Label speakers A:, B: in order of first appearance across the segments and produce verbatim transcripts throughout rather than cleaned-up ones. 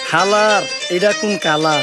A: হালার এটা কোন কালার?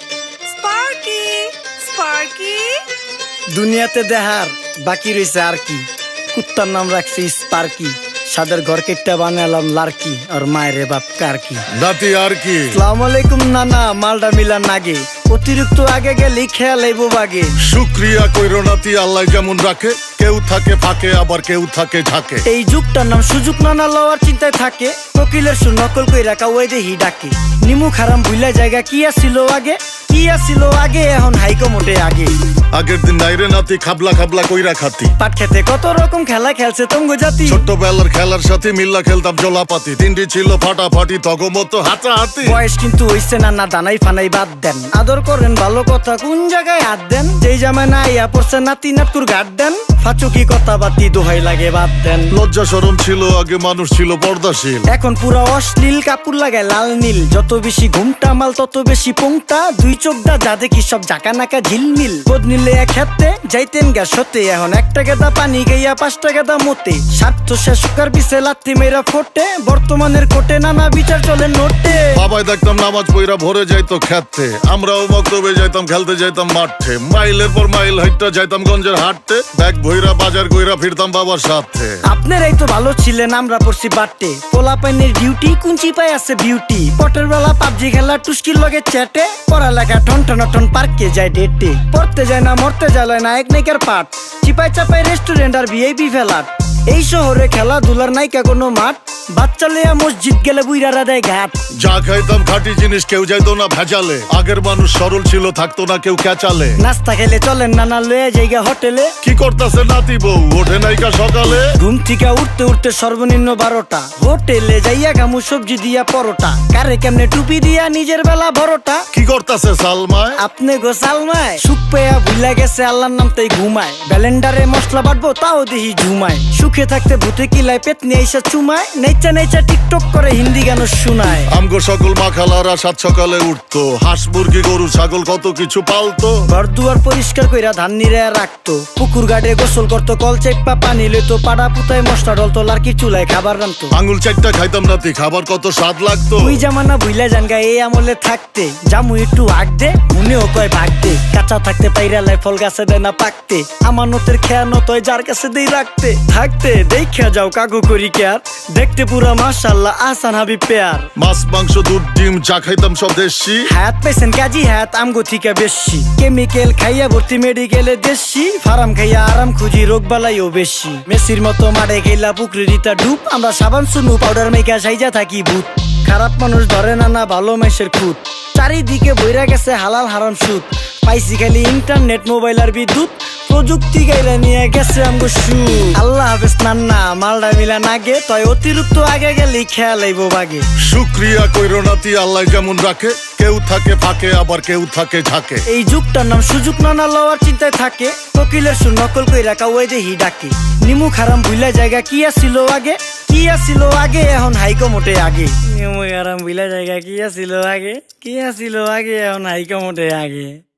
B: স্পার্কি স্পার্কি
A: দুনিয়াতে দেহার বাকি রয়েছে আর কি। কুত্তার নাম রাখছি স্পার্কি, সাদের ঘর কেটটা বানালাম লার্কি, আর মায়ের বাপ কারকি।
C: নাতি আর কি?
A: আসসালামু আলাইকুম নানা, মালডা মিলান নাগে, অতিরিক্ত আগে গেলে খেয়াল আইব বাগে।
C: শুক্রিয়া কইরো নাতি, আল্লাহ যেমন রাখে, কেউ থাকে ফাঁকে আবার কেউ থাকে ঝাঁকে।
A: এই যুগটার নাম সুযোগ নানা লওয়ার চিন্তায় থাকে, কোকিলের সুর নকল কই রাখা ওই দেহি ডাকে। নিমু খারাম ভুলা জায়গা কি আসিল আগে, কি আসিল আগে, এখন হাইকো মোটে আগে।
C: আগের দিন নাইরে নাতি খাবলা খাবলা কইরা খাতি,
A: পাট খেতে কত রকম খেলা খেলছে তঙ্গ জাতি।
C: ছোট্টবেলার খেলার সাথে মিল্লা খেলতাম জলাপাতি, তিনটি ছিল ফাটাফাটি তগমতো হাতাহাতি।
A: বয়স কিন্তু হইছে না, না দানাই ফানাই বাদ দেন, আদর করেন ভালো কথা কোন জায়গায় হাত দেন। যেই জামায় না ইয়া পড়ছে নাতি নাটকুর গাট দেন, ফাচুকি কথা বাতি দোহাই লাগে বাদ দেন।
C: লজ্জা শরম ছিল আগে, মানুষ ছিল পর্দাশীল,
A: এখন পুরা অশ্লীল কাপড় লাগায় লাল নীল। যত বেশি ঘুমটা মাল তত বেশি পোংটা, দুই চোখটা যা দেখি সব জাকা নাকা ঝিলমিল। বোধ নিলে এক হাতে যাইতেন গ্যাস হতে, এখন একটা গেদা পানি গাইয়া পাঁচটা গেদা মতে। স্বার্থ শেষ কার পিছে লাত্তি মেয়েরা ফোটে, বর্তমানের কোটে নানা বিচার চলে নোটে।
C: বাবাই দেখতাম নামাজ পইরা ভরে যাইতো খেতে, আমরাও মক্তবে যাইতাম খেলতে যাইতাম মাঠে। মাইলের পর মাইল হাইটটা যাইতাম গঞ্জের হাটতে, ব্যাগ ভইরা বাজার কইরা ফিরতাম বাবার সাথে।
A: আপনারাই তো ভালো ছিলেন, আমরা পড়ছি বাটে। পোলা পাইনের ডিউটি কুঞ্চি পাই আছে বিউটি, পটের বেলা পাবজি খেলা টুস্কির লগে চ্যাটে। পড়ালেখা ঠন ঠন ঠন পার্কে যায় ডেটে, পড়তে যায় না মরতে যায় না এক নাইকার পাট। চিপাই চাপাই রেস্টুরেন্ট আর ভিআইপি ফেলাট, এই শহরে খেলাধুলার নাইকা কোনো মাঠ। বাচ্চা লেয়া মসজিদ গেলে বুইরারা দেয় ঘাট।
C: যা খাইতাম খাঁটি জিনিস, কেউ যাইতো না ভেজালে। আগের মানুষ সরল ছিল, থাকতো না কেউ ক্যাচালে।
A: নাস্তা খেলে চলেন নানা লয়ে জায়গা হোটেলে।
C: কি করতাছে নাতি বউ, ওঠে নাইকা সকালে।
A: ঘুম থেকে উঠতে উঠতে সর্বনিম্ন বারোটা, হোটেলে যাইয়া গামু সবজি দিয়া পরোটা। কারে কেমনে টুপি দিয়া নিজের বেলা বড়টা।
C: কি করতাছে সালমায়?
A: আপনি গোসালমায় সুখ পেয়া ভুলা গেছে আল্লাহর নাম তাই ঘুমায়। ব্যালেন্ডারে মশলা বাটবো তাও দেহি ঝুমায়, সুখে থাকতে ভূতে কিলায় পেট নিয়ে এসে চুমায়। নেচা নেচা টিকটক করে হিন্দি গান শুনায়।
C: আমগো সকল মাখালারা সাত সকালে উঠতো, হাঁস মুরগি গরু ছাগল কত কিছু পালতো।
A: ঘর দুয়ার পরিষ্কার কইরা ধান নিরে রাখতো, পুকুর গাড়ে গোসল করতো, কল চেপা পানি লইতো। পাড়া পুতায় মশলা ডলতো, লার্কি চুলায় খাবার রান্তো।
C: আঙুল চারটা খাইতাম নাতি, খাবার কত স্বাদ লাগতো।
A: ওই জামানা ভুইলা জানগা এই আমলে থাকতে, জামু একটু আগ দে মনেও কয় ভাগ দে। কাঁচা থাকতে পাইরালায় ফল গাছে দেয় না পাকতে, আমানতের খেয়ানত হয় যার কাছে দেই রাখতে। থাকতে দেখা যাও কাগু করি কেয়ার, দেখতে পুরা মাশাআল্লাহ আহসান হাবিব পেয়ার।
C: মাছ মাংস দুধ ডিম চা খাইতাম সব দেশি,
A: হাত পাইছেন কাজী হাত আমগো থিকা বেশি। কেমিক্যাল খাইয়া ভর্তি মেডিকেলে দেশি, ফার্ম খাইয়া আরাম খুঁজি রোগ বালাইও বেশি। মেসির মতো মারে গেলা পুকুরে রিতা ডুব, আমরা সাবান সুনু পাউডার মেকা সাইজা থাকি ভূত। খারাপ মানুষ ধরে না না ভালো মেসের খুঁত, চারিদিকে বইরা গেছে হালাল হারাম সুদ। পাইছি খালি ইন্টারনেট মোবাইল আর বিদ্যুৎ, প্রযুক্তি গাইলা নিয়ে গেছে আমগো সু। আল্লাহ হাফেজ নান্না, মালডা মিলা নাগে, তয় অতিরিক্ত আগে গেলে খেয়াল আইব বাগে।
C: শুক্রিয়া কইরো নাতি, আল্লাহ যেমন রাখে, কেউ থাকে ফাঁকে আবার কেউ থাকে ঝাঁকে।
A: এই যুগটার নাম সুযোগ নানা লওয়ার চিন্তায় থাকে, কোকিলের সুর নকল কই রাখা ওই দেহি ডাকে। নিমু খারাম ভুলা জায়গা কি আসিল আগে, কি আসিল আগে, এখন হাইকো মোটে আগে। নিমু খারাম ভুলা জায়গা কি আসিল আগে, কি আসিল আগে, এখন হাইকো মোটে আগে।